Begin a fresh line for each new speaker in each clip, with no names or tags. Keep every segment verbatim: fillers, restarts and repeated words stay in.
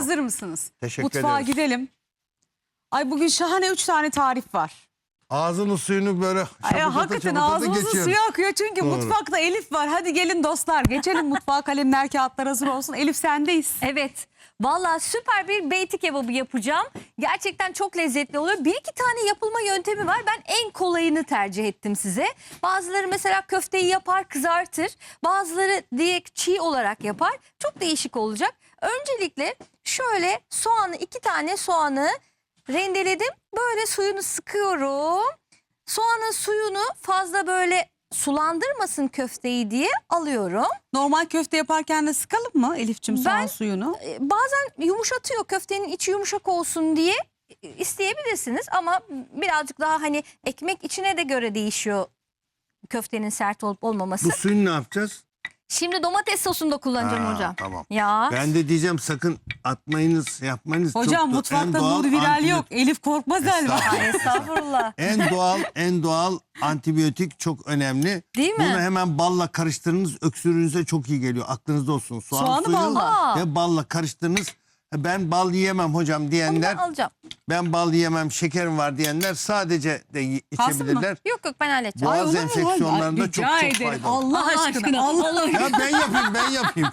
Hazır mısınız?
Teşekkür
Mutfağa
ederiz.
gidelim. Ay bugün şahane üç tane tarif var.
Ağzının suyunu böyle
Ay,
şapırtata
hakikaten
şapırtata
ağzımızın
geçiyoruz.
suyu akıyor çünkü
Doğru.
mutfakta Elif var. Hadi gelin dostlar geçelim mutfağa, kalemler kağıtlar hazır olsun. Elif sendeyiz.
Evet. Vallahi süper bir beyti kebabı yapacağım. Gerçekten çok lezzetli oluyor. Bir iki tane yapılma yöntemi var. Ben en kolayını tercih ettim size. Bazıları mesela köfteyi yapar, kızartır. Bazıları direkt çiğ olarak yapar. Çok değişik olacak. Öncelikle şöyle soğanı, iki tane soğanı rendeledim. Böyle suyunu sıkıyorum. Soğanın suyunu fazla böyle sulandırmasın köfteyi diye alıyorum.
Normal köfte yaparken de sıkalım mı Elif'cim soğan
Ben-
suyunu?
Ee, Bazen yumuşatıyor, köftenin içi yumuşak olsun diye isteyebilirsiniz ama birazcık daha hani ekmek içine de göre değişiyor köftenin sert olup olmaması.
Bu suyunu ne yapacağız?
Şimdi domates sosunda kullanacağım
Ha,
hocam.
Tamam.
Ya
Ben de diyeceğim sakın atmayınız, yapmayınız.
Hocam
Çok da- en
mutfakta
doğal
nur viral
antibiyotik-
yok. Elif Korkmazel var.
Aa, estağfurullah.
En doğal, en doğal antibiyotik çok önemli.
Değil mi?
Bunu hemen balla karıştırınız. Öksürüğünüze çok iyi geliyor. Aklınızda olsun. Soğan
Soğanı
suyu
balla.
ve balla karıştırınız. Ben bal yiyemem hocam
Onu
diyenler,
ben alacağım.
ben bal yiyemem, şekerim var diyenler sadece de y-
Kalsın mı?
içebilirler.
Yok yok ben halledeceğim.
Boğaz
olur mu?
enfeksiyonlarında
Ay,
çok
rica
çok
ederim.
faydalı.
Allah,
Allah
aşkına.
aşkına,
Allah
Allah
aşkına.
Ya ben yapayım, ben yapayım.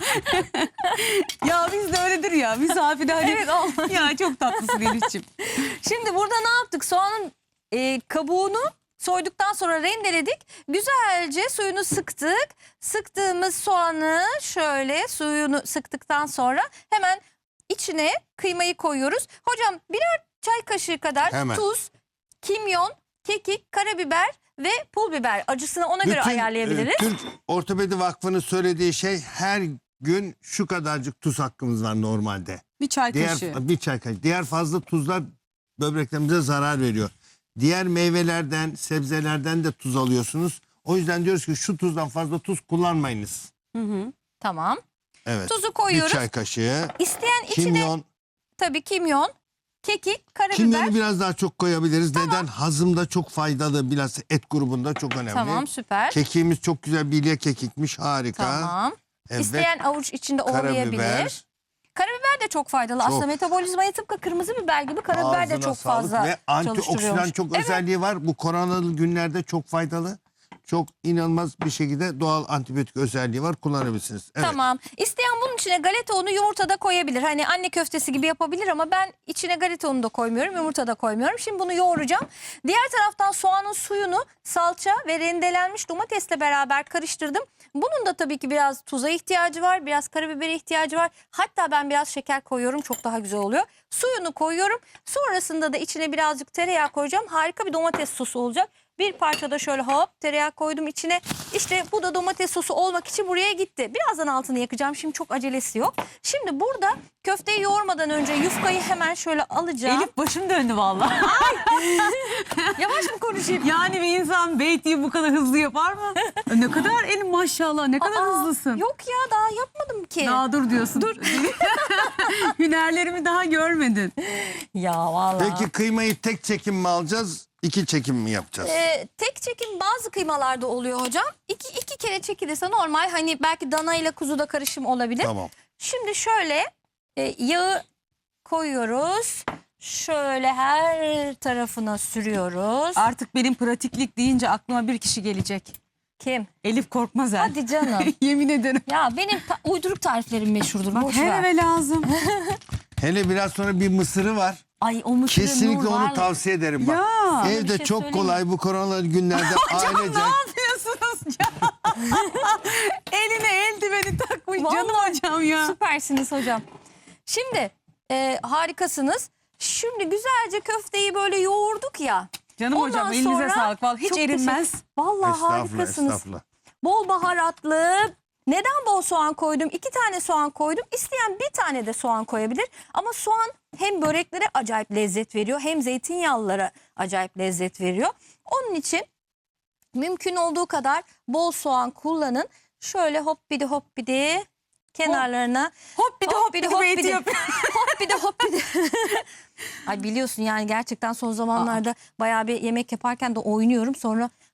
Ya biz de öyledir ya. Misafirde hani.
Evet, olmaz.
Ya çok tatlısın Elif'ciğim.
Şimdi burada ne yaptık? Soğanın e, kabuğunu soyduktan sonra rendeledik. Güzelce suyunu sıktık. Sıktığımız soğanı şöyle suyunu sıktıktan sonra hemen içine kıymayı koyuyoruz. Hocam birer çay kaşığı kadar
Hemen.
tuz, kimyon, kekik, karabiber ve pul biber. Acısını ona göre ayarlayabiliriz.
e, Türk Ortopedi Vakfı'nın söylediği şey her gün şu kadarcık tuz hakkımız var normalde.
Bir çay
Diğer
kaşığı.
bir çay kaşığı. Diğer fazla tuzlar böbreklerimize zarar veriyor. Diğer meyvelerden, sebzelerden de tuz alıyorsunuz. O yüzden diyoruz ki şu tuzdan fazla tuz kullanmayınız.
Hı hı.
Tamam.
Evet.
Tuzu
Bir
koyuyoruz.
çay kaşığı.
İsteyen içine
Kimyon.
tabii kimyon, kekik, karabiber.
Kimyonu biraz daha çok koyabiliriz. Neden? Hazımda çok faydalı. Biraz et grubunda çok önemli.
Tamam, süper.
Kekiğimiz çok güzel bilye kekikmiş. Harika.
Tamam.
Evet.
İsteyen avuç içinde ovalayabilir.
Karabiber.
Karabiber de çok faydalı.
Çok.
Aslında metabolizmaya tıpkı kırmızı biber gibi karabiber de
Ağzına
çok
sağlık
fazla
ve antioksidan
çalıştırıyormuş.
çok
Evet.
özelliği var. Bu koronalı günlerde çok faydalı. Çok inanılmaz bir şekilde doğal antibiyotik özelliği var. Kullanabilirsiniz. Evet.
Tamam. İsteyen bunun içine galeta unu, yumurta da koyabilir. Hani anne köftesi gibi yapabilir ama ben içine galeta unu da koymuyorum, yumurta da koymuyorum. Şimdi bunu yoğuracağım. Diğer taraftan soğanın suyunu salça ve rendelenmiş domatesle beraber karıştırdım. Bunun da tabii ki biraz tuza ihtiyacı var, biraz karabibere ihtiyacı var. Hatta ben biraz şeker koyuyorum, çok daha güzel oluyor. Suyunu koyuyorum. Sonrasında da içine birazcık tereyağı koyacağım. Harika bir domates sosu olacak. Bir parça da şöyle hop tereyağı koydum içine. İşte bu da domates sosu olmak için buraya gitti. Birazdan altını yakacağım. Şimdi çok acelesi yok. Şimdi burada köfteyi yoğurmadan önce yufkayı hemen şöyle alacağım.
Elif başım döndü vallahi.
Yavaş mı konuşayım?
Yani bir insan beytiyi bu kadar hızlı yapar mı? Ne kadar elin maşallah, ne kadar
Aa,
hızlısın.
Yok ya daha yapmadım ki.
Daha dur diyorsun. Dur. Hünerlerimi daha görmedin.
Ya vallahi.
Peki kıymayı tek çekim mi alacağız? İki çekim mi yapacağız?
Ee, tek çekim bazı kıymalarda oluyor hocam. İki, iki kere çekilirse normal. Hani belki dana ile kuzu da karışım olabilir.
Tamam.
Şimdi şöyle e, yağı koyuyoruz. Şöyle her tarafına sürüyoruz.
Artık benim pratiklik deyince aklıma bir kişi gelecek.
Kim?
Elif Korkmazel.
Hadi canım.
Yemin ederim.
Ya benim ta- uyduruk tariflerim meşhurdur.
Bak
Boş
her
ver.
eve lazım.
Hele biraz sonra bir mısırı var.
Ay o mısırı
Kesinlikle
nur
onu
var.
tavsiye ederim bak.
Ya.
Sana bir
Evde
şey
çok
söyleyeyim
kolay bu koronalı günlerde
Canım
ailece.
ne yapıyorsunuz ya? Eline eldiveni takmış
Vallahi
canım hocam ya.
Süpersiniz hocam. Şimdi e, harikasınız. Şimdi güzelce köfteyi böyle yoğurduk ya.
Canım
Ondan
hocam elinize
sonra
sağlık. Vallahi hiç
çok
erinmez.
teşekkür- Vallahi
Estağfurullah,
harikasınız.
estağfurullah.
Bol baharatlı. Neden bol soğan koydum? İki tane soğan koydum. İsteyen bir tane de soğan koyabilir. Ama soğan hem böreklere acayip lezzet veriyor hem zeytinyağlılara acayip lezzet veriyor. Onun için mümkün olduğu kadar bol soğan kullanın. Şöyle hop bidi hop bidi kenarlarına.
Hop bir de hop bir de beyti yapıyor.
Hop bir de hop bir de. Ay biliyorsun yani gerçekten son zamanlarda bayağı bir yemek yaparken de oynuyorum. Sonra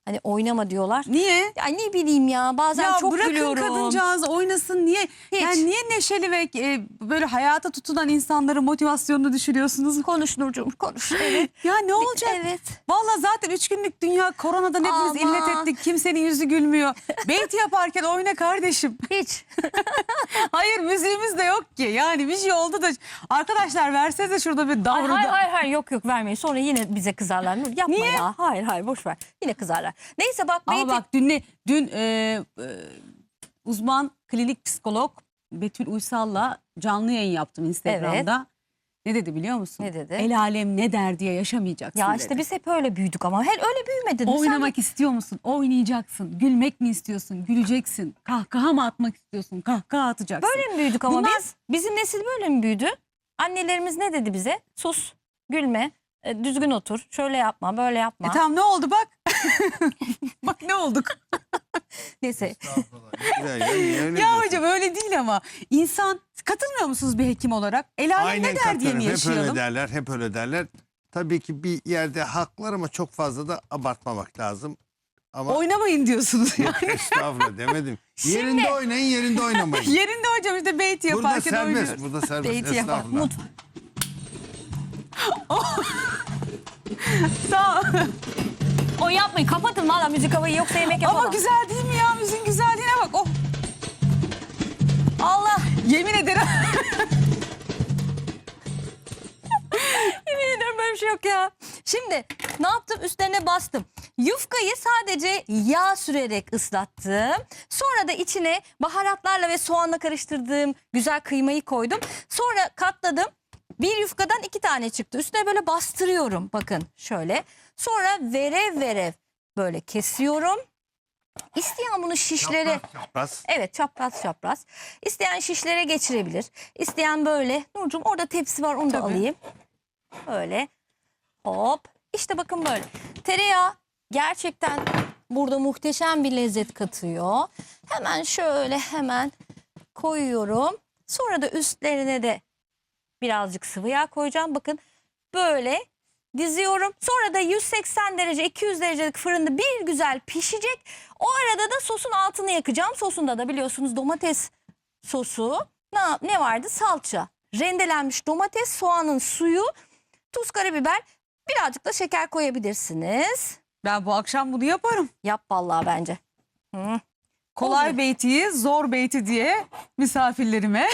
Hani oynama diyorlar.
Niye?
Ya ne bileyim ya bazen
Ya
çok
bırakın
gülüyorum.
kadıncağız oynasın, niye?
Hiç.
Yani niye neşeli ve e, böyle hayata tutunan insanların motivasyonunu düşürüyorsunuz?
Konuş Nurcuğum konuş. Evet.
Ya ne olacak?
Evet.
Vallahi zaten üç günlük dünya, koronadan hepimiz
Aman.
illet ettik. Kimsenin yüzü gülmüyor. Beyti yaparken oyna kardeşim.
Hiç.
Hayır, müziğimiz de yok ki. Yani bir şey oldu da arkadaşlar versenize şurada bir
Hayır,
davranı.
hayır hayır hayır yok yok vermeyin. Sonra yine bize kızarlar. Nur yapma
Niye?
ya. Hayır hayır boş ver. Yine kızarlar. Neyse bak
Ama
Beyti-
bak dün ne? Dün e, e, uzman klinik psikolog Betül Uysal'la canlı yayın yaptım Instagram'da. Ne dedi biliyor musun?
Ne dedi?
El alem ne der diye yaşamayacaksın
Ya
dedi.
işte biz hep öyle büyüdük ama. Her öyle büyümedin. mi?
Oynamak istiyor musun? Oynayacaksın. Gülmek mi istiyorsun? Güleceksin. Kahkaha mı atmak istiyorsun? Kahkaha atacaksın.
Sen böyle mi büyüdük ama
Bunlar-
biz? Bizim nesil böyle mi büyüdü? Annelerimiz ne dedi bize? Sus, gülme, e, düzgün otur, şöyle yapma, böyle yapma.
E tamam, ne oldu bak? Bak ne olduk?
Neyse.
Güzel ya, niye öyle
Ya
diyorsun?
hocam öyle değil ama insan, katılmıyor musunuz bir hekim olarak? El alem
Aynen
ne der diye
katılıyorum.
mi
Hep
yaşayalım?
öyle derler, hep öyle derler. Tabii ki bir yerde haklar ama çok fazla da abartmamak lazım. Ama
Oynamayın diyorsunuz yani.
yok, estağfurullah demedim. Yerinde oynayın, yerinde oynamayın.
Yerinde hocam işte beyti
Burada
yaparken
serbest,
oynuyoruz.
burada serbest.
Beyti yapar.
Estağfurullah.
Mut.
Sağ ol.
O yapmayın, kapatın valla müzik havayı yoksa yemek yapalım.
Ama güzel değil mi ya? Müziğin güzelliğine bak. Oh.
Allah.
Yemin ederim.
Yemin ederim böyle bir şey yok ya. Şimdi ne yaptım? Üstlerine bastım. Yufkayı sadece yağ sürerek ıslattım. Sonra da içine baharatlarla ve soğanla karıştırdığım güzel kıymayı koydum. Sonra katladım. Bir yufkadan iki tane çıktı. Üstüne böyle bastırıyorum. Bakın şöyle. Sonra verev verev böyle kesiyorum. İsteyen bunu şişlere...
Çapraz.
Evet, çapraz çapraz. İsteyen şişlere geçirebilir. İsteyen böyle. Nurcuğum orada tepsi var, onu da
Tabii.
alayım. Böyle. Hop. İşte bakın böyle. Tereyağı gerçekten burada muhteşem bir lezzet katıyor. Hemen şöyle hemen koyuyorum. Sonra da üstlerine de birazcık sıvı yağ koyacağım. Bakın böyle diziyorum. Sonra da yüz seksen derece iki yüz derecelik fırında bir güzel pişecek. O arada da sosun altını yakacağım. Sosunda da biliyorsunuz domates sosu. Ne, ne vardı? Salça. Rendelenmiş domates, soğanın suyu, tuz, karabiber, birazcık da şeker koyabilirsiniz.
Ben bu akşam bunu yaparım.
Yap vallahi bence. Hı.
Kolay
Olur.
beytiyi zor beyti diye misafirlerime.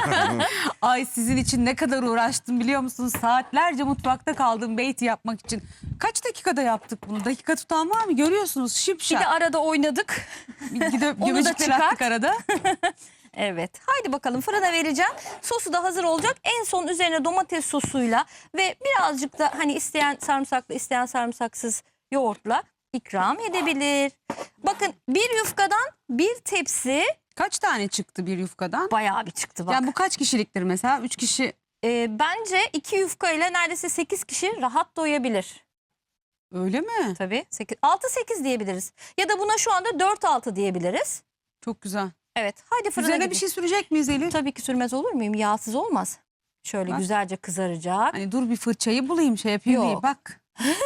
Ay sizin için ne kadar uğraştım biliyor musunuz? Saatlerce mutfakta kaldım beyti yapmak için. Kaç dakikada yaptık bunu? Dakika tutan var mı? Görüyorsunuz
Bir
şipşak.
de arada oynadık.
Gidip
Onu da
göbecikler
çıkart.
attık arada.
Evet. Haydi bakalım fırına vereceğim. Sosu da hazır olacak. En son üzerine domates sosuyla ve birazcık da hani isteyen sarımsaklı, isteyen sarımsaksız yoğurtla ikram edebilir. Bakın bir yufkadan bir tepsi
Kaç tane çıktı bir yufkadan?
bayağı bir çıktı bak.
Yani bu kaç kişiliktir mesela? Üç kişi
Ee, bence iki yufka ile neredeyse sekiz kişi rahat doyabilir.
öyle mi?
Tabii. altı sekiz diyebiliriz. Ya da buna şu anda dört altı diyebiliriz.
Çok güzel.
Evet. Haydi fırına
Üzerine
gidin.
bir şey sürecek miyiz Elif?
Tabii ki sürmez olur muyum? Yağsız olmaz. Şöyle
Bak.
güzelce kızaracak.
Hani dur bir fırçayı bulayım şey yapayım diye.
Yok.
Bak.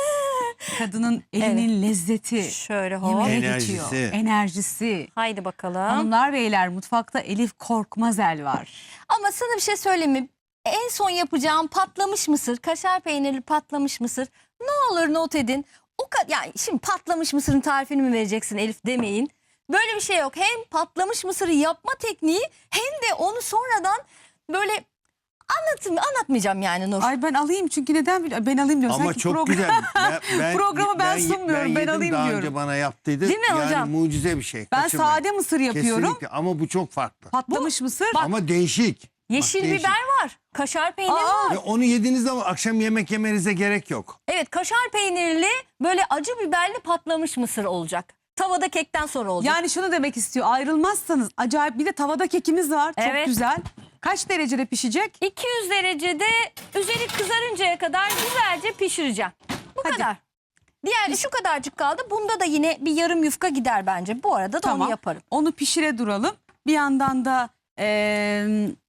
Kadının elinin lezzeti.
Şöyle hop.
Yemeğe
Enerjisi.
geçiyor. Enerjisi.
Haydi bakalım.
Hanımlar beyler mutfakta Elif Korkmazel var.
Ama sana bir şey söyleyeyim mi? En son yapacağım patlamış mısır, kaşar peynirli patlamış mısır. Ne olur not edin. O kadar yani şimdi patlamış mısırın tarifini mi vereceksin Elif demeyin. Böyle bir şey yok. Hem patlamış mısırı yapma tekniği hem de onu sonradan böyle anlatım anlatmayacağım yani Nur.
Ay ben alayım çünkü neden bil- ben alayım diyorum.
Ama
Sanki
çok
program-
güzel. Ben, ben,
Programı ben sunmuyorum, ben
yedim,
alayım
daha
diyorum.
önce bana yaptıydı.
Değil mi
yani
hocam?
mucize bir şey.
Ben
Kaçırmayın.
sade mısır yapıyorum.
Kesinlikle ama bu çok farklı.
Patlamış mısır.
Ama değişik.
Yeşil
Bak, değişik.
biber var, kaşar peyniri
Aa!
var.
Ve onu yediğinizde ama akşam yemek yemenize gerek yok.
Evet, kaşar peynirli böyle acı biberli patlamış mısır olacak. Tavada kekten sonra olacak.
Yani şunu demek istiyor. Ayrılmazsanız acayip, bir de tavada kekimiz var. Çok
Evet.
güzel. Kaç derecede pişecek?
iki yüz derecede üzeri kızarıncaya kadar güzelce pişireceğim. Bu
Hadi.
kadar. Diğer şu kadarcık kaldı. Bunda da yine bir yarım yufka gider bence. Bu arada da
Tamam.
onu yaparım.
Onu pişire duralım. Bir yandan da eee,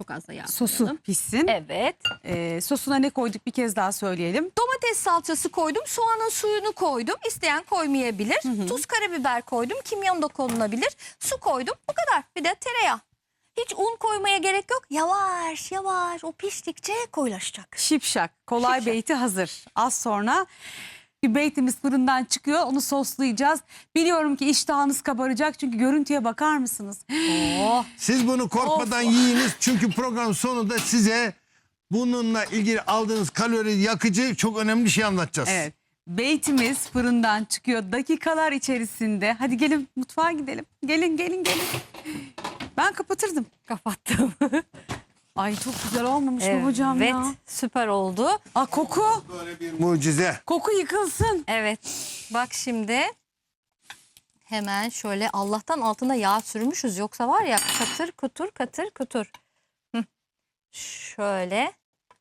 Çok az da yağ
Sosu
koyalım.
pişsin.
Evet.
Ee, sosuna ne koyduk bir kez daha söyleyelim.
Domates salçası koydum. Soğanın suyunu koydum. İsteyen koymayabilir. Tuz, karabiber koydum. Kimyon da konulabilir. Su koydum. Bu kadar. Bir de tereyağı. Hiç un koymaya gerek yok. Yavaş yavaş o piştikçe koyulaşacak.
Şipşak. Kolay
Şipşak.
beyti hazır. Az sonra bir beytimiz fırından çıkıyor. Onu soslayacağız. Biliyorum ki iştahınız kabaracak. Çünkü görüntüye bakar mısınız?
Oh.
Siz bunu korkmadan
Of.
yiyiniz. Çünkü program sonunda size bununla ilgili aldığınız kalori yakıcı çok önemli bir şey anlatacağız.
Evet. Beytimiz fırından çıkıyor dakikalar içerisinde. Hadi gelin mutfağa gidelim. Gelin gelin gelin. Ben kapatırdım.
Kapattım.
Ay çok güzel olmamış mı hocam
Evet.
ya?
Süper oldu.
Aa, koku.
Böyle bir mucize.
Koku yıkılsın.
Evet. Bak şimdi. Hemen şöyle Allah'tan altına yağ sürmüşüz. Yoksa var ya katır kutur katır kutur. Hı. Şöyle.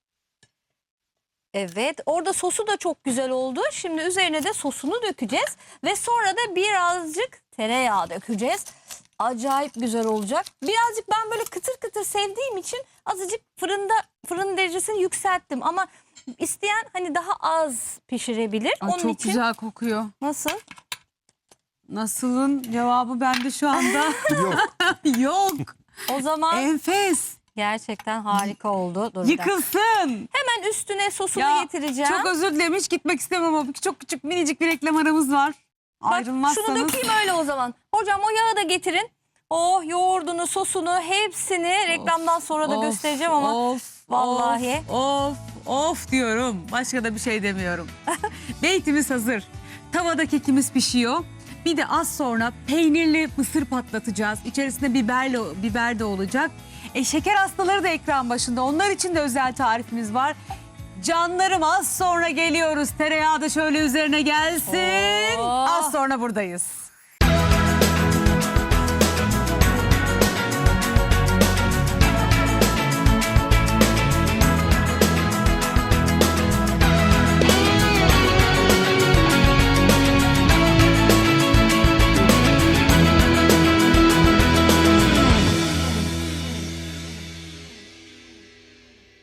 Evet. Orada sosu da çok güzel oldu. Şimdi üzerine de sosunu dökeceğiz. Ve sonra da birazcık tereyağı dökeceğiz. Acayip güzel olacak. Birazcık ben böyle kıtır kıtır sevdiğim için azıcık fırında fırın derecesini yükselttim. Ama isteyen hani daha az pişirebilir.
Ay,
Onun
çok
için
güzel kokuyor.
nasıl?
Nasılın cevabı bende şu anda.
Yok.
Yok.
O zaman
Enfes.
gerçekten harika oldu. Dur bir dakika.
Yıkılsın.
Hemen üstüne sosunu
Ya,
getireceğim.
Çok özür dilerim hiç gitmek istemem ama çok küçük minicik bir reklam aramız var.
Bak,
Ayrılmazsanız.
şunu dökeyim öyle o zaman. Hocam o yağı da getirin. Oh yoğurdunu, sosunu hepsini reklamdan sonra da
Of,
göstereceğim ama
Of,
vallahi.
Of, of, of diyorum. Başka da bir şey demiyorum. Beytimiz hazır. Tavada kekimiz pişiyor. Bir de az sonra peynirli mısır patlatacağız. İçerisinde biberle, biber de olacak. E, şeker hastaları da ekran başında. Onlar için de özel tarifimiz var. Canlarım az sonra geliyoruz. Tereyağı da şöyle üzerine gelsin.
Oh.
Az sonra buradayız.